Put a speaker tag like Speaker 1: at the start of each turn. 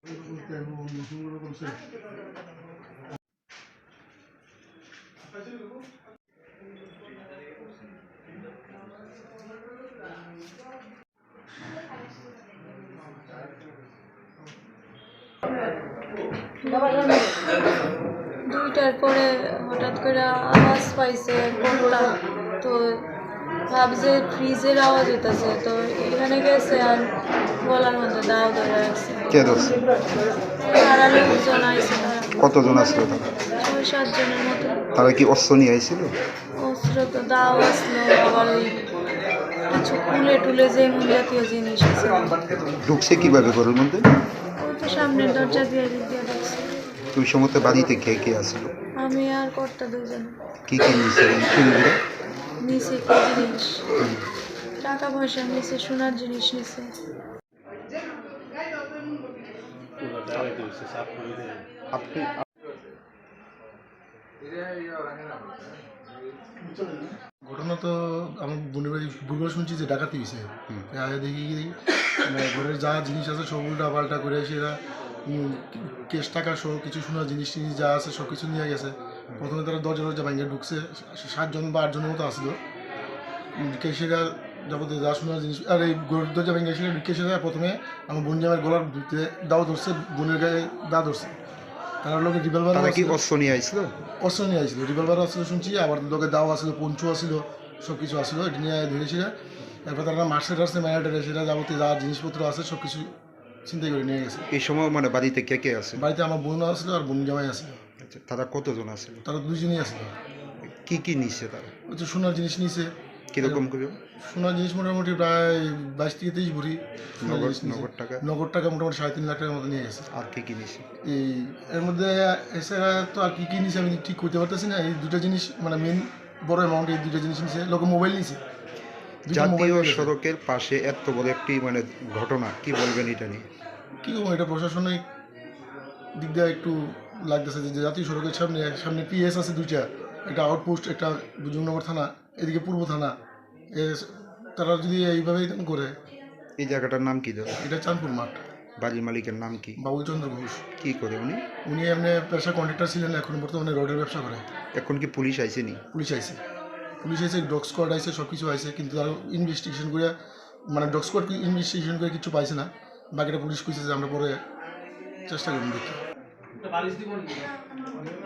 Speaker 1: দুইটার পরে হঠাৎ করে আওয়াজ পাইছে কোনটা, তো ভাবছে ফ্রিজের আওয়াজ হইতেছে, তো এখানে গেছে আর গলার মধ্যে দাও ধরে রাখছে।
Speaker 2: কে ধরছে?
Speaker 1: তারা লোকজন আইছে,
Speaker 2: কতজন আসলো তারা?
Speaker 1: 6-7 জনের মতো।
Speaker 2: তারা কি অস্ত্র নিয়ে আইছিল?
Speaker 1: অস্ত্র তো দাও আসলো, আবার ওই কিছু কুলে টুলে যে জাতীয় জিনিস আছে।
Speaker 2: ঢুকছে কিভাবে ঘরের মধ্যে?
Speaker 1: ওই তো সামনের দরজা দিয়ে ঢুকছে।
Speaker 2: ওই সময় বাড়িতে কে কে আসলো?
Speaker 1: আমি আর কর্তা দুজন।
Speaker 2: কি কি নিছে চুরিরা?
Speaker 1: নিচে কি জিনিস, টাকা পয়সা নিচে, সোনার জিনিস নিচে।
Speaker 2: আপনি
Speaker 3: ঘটনা তো আমার বোনের বাড়ি ভুলবার শুনছি যে ডাকাতি হয়েছে। দেখি মানে ঘরের যা জিনিস আছে সব উল্টা পাল্টা করে সেরা কেশ টাকা সহ কিছু সোনার জিনিস টিনিস যা আছে সব কিছু নিয়ে গেছে। প্রথমে তারা দরজা ভাঙিয়ে ঢুকছে, 7 জন বা 8 জনের মতো আসলো। কেশেরা যাবতীয় যা সোনার জিনিস আর এই দরজা ভাঙিয়ে এসে কেশেরা প্রথমে আমার বোন জামের গলার ভিতরে দাও ধরছে, বোনের গায়ে দা ধরছে। তারা লোকের রিভলভার
Speaker 2: কি অস্ত্র নিয়ে আইছিল?
Speaker 3: অস্ত্র নিয়ে আসছিল, রিভলভার আসছিল শুনছি, আবার লোকের দাও আসলো, পঞ্চু আসছিল, সব কিছু আসলো। এটা নিয়ে ধরেছিল। তারপর তারা মার্সেল টার্সে ম্যারাটারে সেটা যাবতীয় যা জিনিসপত্র আছে সব কিছু চিন্তা করে নিয়ে গেছে।
Speaker 2: এই সময় বাড়িতে কে কে আছে?
Speaker 3: বাড়িতে আমার বোন আসলো আর বোন জামাই আসলো।
Speaker 2: আচ্ছা, তারা কতজন আসলো?
Speaker 3: তারা 2 জনই আসলো।
Speaker 2: কি কি নিচ্ছে তারা?
Speaker 3: ওই তো সোনার জিনিস নিছে।
Speaker 2: কিরকম করে?
Speaker 3: সোনার জিনিস মোটামুটি প্রায় 22 থেকে 23 ভরি নগদ টাকা মোটামুটি 3.5 লাখ টাকার মতো নিয়ে গেছে।
Speaker 2: আর কি কি নিছে?
Speaker 3: এই এর মধ্যে এছাড়া তো আর কি কি নিছে আমি ঠিক করতে পারতেছি না। এই 2টা জিনিস মানে মেন বড় অ্যামাউন্ট, এই 2টা জিনিস নিছে। লোকে মোবাইল নিছে।
Speaker 2: জাতীয় সড়কের পাশে এত বড় একটি ঘটনা, কি বলবেন এটা নিয়ে?
Speaker 3: কী করবো, এটা প্রশাসনিক দিক দিয়ে একটু লাগতেছে যে জাতীয় সড়কের সামনে পিএস আছে 2টা, একটা আউটপোস্ট, একটা দুজনগর থানা, এদিকে পূর্ব থানা। তারা যদি এইভাবে করে।
Speaker 2: এই জায়গাটার নাম কি দাদা?
Speaker 3: এটা চাঁদপুর মাঠ।
Speaker 2: বাড়ির মালিকের নাম কি?
Speaker 3: বাবুল চন্দ্র ঘোষ।
Speaker 2: কি করে উনি?
Speaker 3: উনি এমনি পেশা কন্ট্রাক্টর ছিলেন, এখন বর্তমানে রডের ব্যবসা করে।
Speaker 2: এখন কি পুলিশ আইসেনি?
Speaker 3: পুলিশ আইছে, ডগ স্কোয়াড আইছে, সব কিছু আইছে, কিন্তু তারা ইনভেস্টিগেশন করে মানে ডগ স্কোয়াড ইনভেস্টিগেশন করে কিছু পাইছে না। বাকিটা পুলিশ কইছে যে আমরা পরে চেষ্টা করুন দেখি।